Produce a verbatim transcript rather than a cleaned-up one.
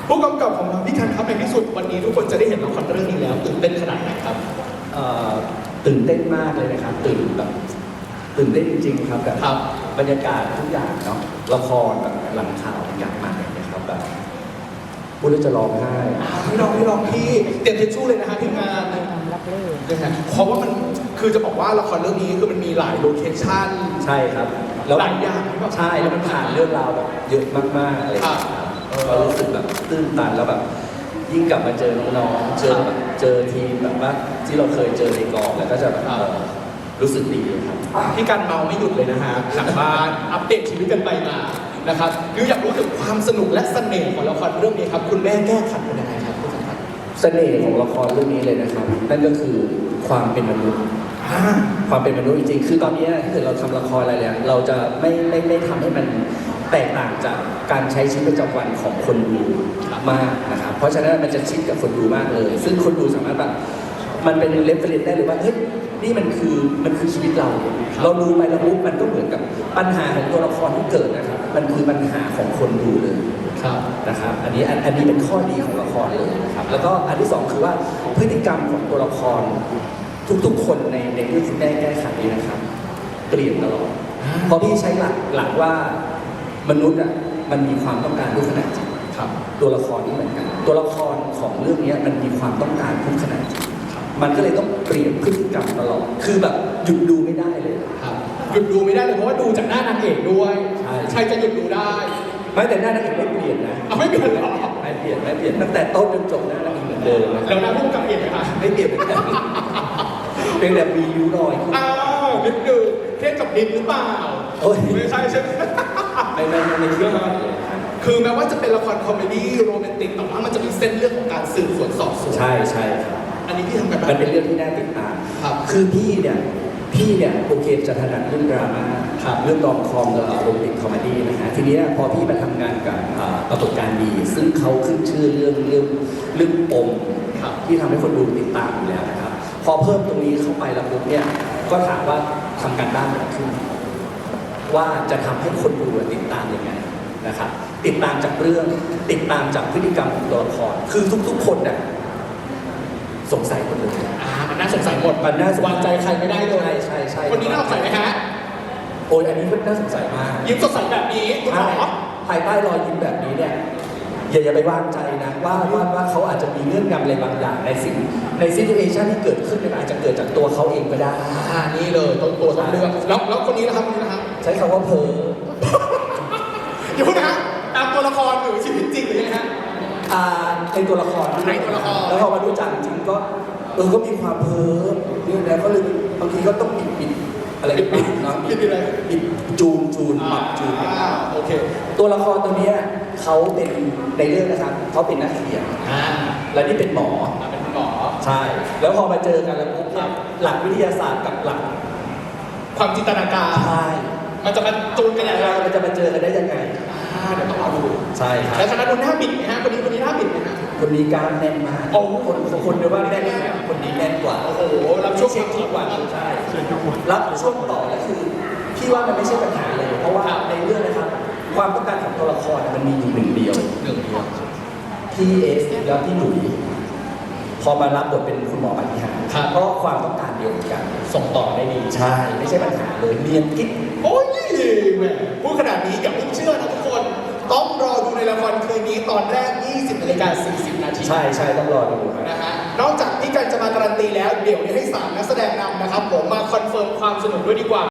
ผู้กำกับของเราพี่กันครับในที่สุดวันนี้ทุกคนจะได้เห็นละครเรื่องนี้แล้วตื่นเต้นขนาดไหนครับตื่นเต้นมากเลยนะครับตื่นแบบตื่นเต้นจริงๆครับแบบบรรยากาศทุกอย่างเนาะละครแบบหลังข่าวทุกอย่างมากเลยนะครับแบบพูดแล้วจะร้องไห้พี่ร้องพี่ร้องพี่เตรียมทิชชู่เลยนะฮะทีมงานรับเลยนะฮะเพราะว่ามันคือจะบอกว่าละครเรื่องนี้คือมันมีหลายโลเคชั่นใช่ครับหลายอย่างใช่แล้วมันผ่านเรื่องราวแบบเยอะมากๆอะไรก็รู้สึกแบบตื้นตันแล้วแบบยิ่งกลับมาเจอน้องๆเจอแบบเจอทีมแบบว่าที่เราเคยเจอในกองแล้วก็จะแบบรู้สึกดีครับพี่กันเมาไม่หยุดเลยนะฮะหลังบ้านอัปเดตชีวิตกันไปมานะครับคืออยากรู้ถึงความสนุกและเสน่ห์ของละครเรื่องนี้ครับคุณแม่แก้ขัดเป็นยังไงครับคุณสันติเสน่ห์ของละครเรื่องนี้เลยนะครับนั่นก็คือความเป็นมนุษย์ความเป็นมนุษย์จริงๆคือตอนนี้ถ้าเกิดเราทำละครอะไรเนี่ยเราจะไม่ไม่ไม่ทำให้มันแตกต่างจากการใช้ชีวิตประจำวันของคนดูมากนะครับเพราะฉะนั้นมันจะชิดกับคนดูมากเลยซึ่งคนดูสามารถแบบมันเป็นเรฟเฟรนซ์ได้เลยว่าเฮ้ยนี่มันคือมันคือชีวิตเราเราดูไปแล้วปุ๊บมันก็เหมือนกับปัญหาของตัวละครที่เกิดนะครับมันคือปัญหาของคนดูเลยนะครับอันนี้อันนี้เป็นข้อดีของละครเลยนะครับแล้วก็อันที่สองคือว่าพฤติกรรมของตัวละครทุกๆคนในในเรื่องที่ได้แก้ไขนี้นะครับเปลี่ยนตลอดเพราะพี่ใช้หลักหลักว่ามนุษย์อ่ะมันมีความต้องการทุกขณะจิตตัวละครนี่เหมือนกันตัวละครของเรื่องนี้มันมีความต้องการทุกขณะจิตมันก็เลยต้องเปลี่ยนพฤติกรรมตลอดคือแบบหยุดดูไม่ได้เลยครับหยุดดูไม่ได้เลยเพราะว่าดูจากหน้านางเอกด้วยใช่จะหยุดดูได้ไม่แต่หน้านางเอกไม่เปลี่ยนนะไม่เปลี่ยนหรอไม่เปลี่ยนไม่เปลี่ยนตั้งแต่ต้นจนจบหน้านางเอกเหมือนเดิมแล้วหน้าผู้กำกับเปลี่ยนไหมคะไม่เปลี่ยนเหมือนกันเป็นแบบมียูรอยอ้าวนิดนึงเทียบกับนิดหรือเปล่าโอ้ยไม่ใช่ใช่ไหมไม่ไม่ไม่เทียบคือแม้ว่าจะเป็นละครคอมเมดี้โรแมนติกแต่ว่ามันจะมีเส้นเรื่องของการสืบสวนสอบสวนใช่ใช่ครับอันนี้พี่ทำกันมันเป็นเรื่องที่น่าติดตามครับคือพี่เนี่ยพี่เนี่ยโอเคจะถนัดเรื่องดราม่าครับเรื่องรอมคอมกับโรแมนติกคอมเมดี้นะฮะทีนี้พอพี่มาทำงานกับปรากฏการณ์ดีซึ่งเขาขึ้นชื่อเรื่องเรื่องเรื่องปมที่ทำให้คนดูติดตามอยู่แล้วนะครับพอเพิ่มตรงนี้เข้าไปแล้วปุ๊บเนี่ยก็ถามว่าทำการบ้านแบบขึ้นว่าจะทำให้คนดูติดตามยังไงนะครับติดตามจากเรื่องติดตามจากพฤติกรรมของตัวละครคือทุกๆคนเนี่ยสงสัยหมดเลยอ่ามันน่าสงสัยหมดมันน่าวางใจใครไม่ได้เลยใช่ใช่ใช่คนนี้น่าสงสัยไหมฮะโอ้ยอันนี้มันน่าสงสัยมากยิ้มสดใสแบบนี้คุณหมอภายใต้รอยยิ้มแบบนี้เนี่ยอย่าอย่าไปวางใจนะว่าว่าว่าเขาอาจจะมีเงื่อนงำอะไรบางอย่างในสิ่งในซิทูเอชันที่เกิดขึ้นมันอาจจะเกิดจากตัวเขาเองก็ได้อ่านี่เลยต้นตัวต้นเรื่องแล้วแล้วคนนี้นะครับคนนี้นะครับใช้คำว่าเพ้ออย่าพูดนะฮะตามตัวละครหรือชีวิตจริงหรือยังไงฮะอ่าในตัวละครในตัวละครแล้วพอมาดูจักจริงก็เออก็มีความเพ้อเรื่องนี้เขาเลยบางทีก็ต้องปิดปิดอะไรปิดปิดนะปิดอะไรปิดจูนจูนปรับจูนโอเคตัวละครตัวนี้เขาเป็นในเรื่องนะครับเขาเป็นนักเขียนและนี่เป็นหมอเป็นหมอใช่แล้วพอมาเจอกันแล้วปุ๊บหลักวิทยาศาสตร์กับหลักความจินตนาการใช่มันจะมาจูนกันยังไงมันจะมาเจอกันได้ยังไงเดี๋ยวต้องรอดูใช่ครับแล้วคณะดูหน้าบิดไหมฮะคนนี้คนนี้หน้าบิดไหมฮะคนนี้กล้ามแน่นมากโอ้คนคนเดียวว่าแน่นคนนี้แน่นกว่าโอ้โหรับช่วงเช็คกว่าใช่รับช่วงต่อแล้วคือพี่ว่ามันไม่ใช่ปัญหาเลยเพราะว่าในเรื่องนะครับความต้องการของตัวละครมันมีอยู่หนึ่งเดียวหนึ่งเดียวพี่เอสแล้วพี่หลุยพอมารับบทเป็นคุณหมอปฏิหารเพราะความต้องการเดียวกันส่งต่อได้ดีใช่ไม่ใช่ปัญหาเลยเรียนกิ๊กโอ้ยแม่พูดขนาดนี้อย่าเพิ่งเชื่อนะทุกคนต้องรอดูในละครคืนนี้ตอนแรก ยี่สิบนาฬิกาสี่สิบนาทีใช่ใช่ต้องรอดูนะฮะนอกจากที่กันจะมาการันตีแล้วเดี๋ยวนี้ให้สามนักแสดงนำนะครับผมมาคอนเฟิร์มความสนุกด้วยดีกว่า